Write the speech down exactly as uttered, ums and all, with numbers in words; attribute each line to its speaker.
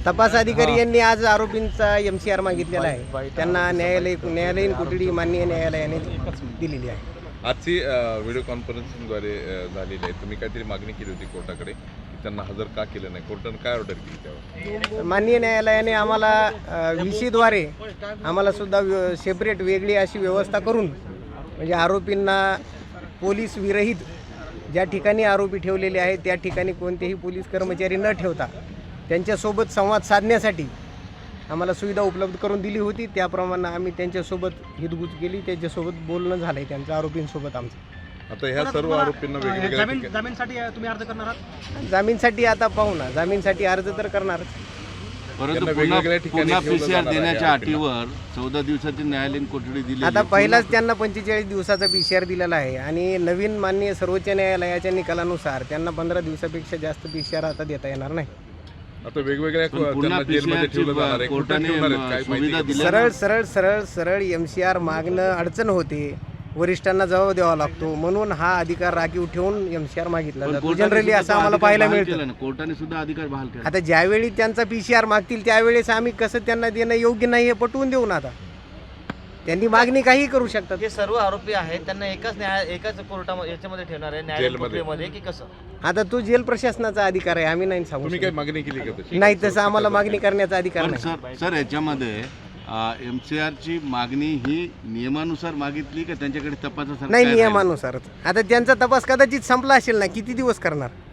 Speaker 1: तपास अधिकारी यांनी आज आरोपींचा एम सी आर मागितलेला आहे, त्यांना न्यायालय न्यायालयीन कोठडी माननीय न्यायालयाने दिलेली आहे.
Speaker 2: आजची व्हिडिओ कॉन्फरन्सिंगद्वारे झालेली आहे. तुम्ही काहीतरी मागणी केली होती कोर्टाकडे की त्यांना हजर का केलं नाही, कोर्टाने काय ऑर्डर केली त्यावर?
Speaker 1: माननीय न्यायालयाने आम्हाला विशीद्वारे आम्हाला सुद्धा सेपरेट वेगळी अशी व्यवस्था करून, म्हणजे आरोपींना पोलीस विरहित ज्या ठिकाणी आरोपी ठेवलेले आहेत त्या ठिकाणी कोणतेही पोलीस कर्मचारी न ठेवता त्यांच्यासोबत संवाद साधण्यासाठी आम्हाला सुविधा उपलब्ध करून दिली होती. त्याप्रमाणे आम्ही त्यांच्यासोबत हितगुज केली, त्यांच्यासोबत बोलणं झालं आहे त्यांचं आरोपींसोबत आमचं.
Speaker 2: आता ह्या सर्व आरोपींना वेगवेगळ्या ठिकाणी
Speaker 3: जामीनसाठी तुम्ही अर्ज करणार आहात?
Speaker 1: जामीनसाठी आता पाहू ना, जामीनसाठी अर्ज तर करणारच,
Speaker 4: परंतु
Speaker 2: त्यांना
Speaker 4: पुन्हा
Speaker 2: वेगवेगळ्या ठिकाणी
Speaker 4: पुन्हा
Speaker 2: ठेवलं
Speaker 4: पीसीआर
Speaker 2: जाणार आहे
Speaker 4: देण्याच्या
Speaker 2: आरोपींना.
Speaker 4: अटीवर चौदा दिवसाची न्यायालयीन कोठडी दिली.
Speaker 1: आता पहिलाच त्यांना पंचेचाळीस दिवसाचा पी सी आर दिलेला आहे आणि नवीन माननीय सर्वोच्च न्यायालयाच्या निकालानुसार त्यांना पंधरा दिवसापेक्षा जास्त पी सी आर आता देता येणार नाही.
Speaker 2: आता वेगवेगळ्या
Speaker 4: पुन्हा
Speaker 2: त्यांना जेलमध्ये
Speaker 4: पीसीआरची
Speaker 2: ठेवलं जाणार आहे. कुठं
Speaker 4: कोर्टाने
Speaker 2: ठेवणार आहेत काय
Speaker 4: सुविधा
Speaker 2: माहिती
Speaker 4: दिली.
Speaker 1: सरळ सरळ सरळ सरळ एम सी आर मागणं अडचण होते, वरिष्ठांना जबाब द्यावा लागतो, म्हणून हा अधिकार राखीव ठेवून एम सी आर मागितला
Speaker 4: पण
Speaker 1: जातो.
Speaker 4: कोर्टाने
Speaker 1: जनरली
Speaker 4: सुद्धा
Speaker 1: असं
Speaker 4: तो
Speaker 1: आम्हाला
Speaker 4: अधिकार
Speaker 1: पाहायला
Speaker 4: बहाल
Speaker 1: मिळतं.
Speaker 4: केला ना, कोर्टाने सुद्धा अधिकार बहाल केला.
Speaker 1: आता ज्यावेळी त्यांचा पी सी आर मागतील त्यावेळेस आम्ही कसं त्यांना देणं योग्य नाही हे पटवून देऊ ना. आता त्यांनी मागणी काही करू शकतात.
Speaker 3: जे सर्व आरोपी आहेत त्यांना एकाच न्याय एकाच कोर्टामध्ये याच्यामध्ये ठेवणार आहे, न्यायालयीन
Speaker 2: जेलमध्ये.
Speaker 3: कोठडीमध्ये की कसं?
Speaker 1: आता तो जेल प्रशासनाचा अधिकार आहे, आम्ही नाही सांगू
Speaker 2: तुम्ही
Speaker 1: शकत.
Speaker 2: काय मागणी केली का तशी?
Speaker 1: नाही तसं आम्हाला मागणी करण्याचा अधिकार
Speaker 4: पण
Speaker 1: नाही.
Speaker 4: सर सर याच्यामध्ये एम सी आरची मागणी ही नियमानुसार मागितली का त्यांच्याकडे तपासासाठी
Speaker 1: नाही
Speaker 4: काय राहिलं?
Speaker 1: नियमानुसारच. आता त्यांचा तपास कदाचित संपला असेल ना, किती दिवस करणार.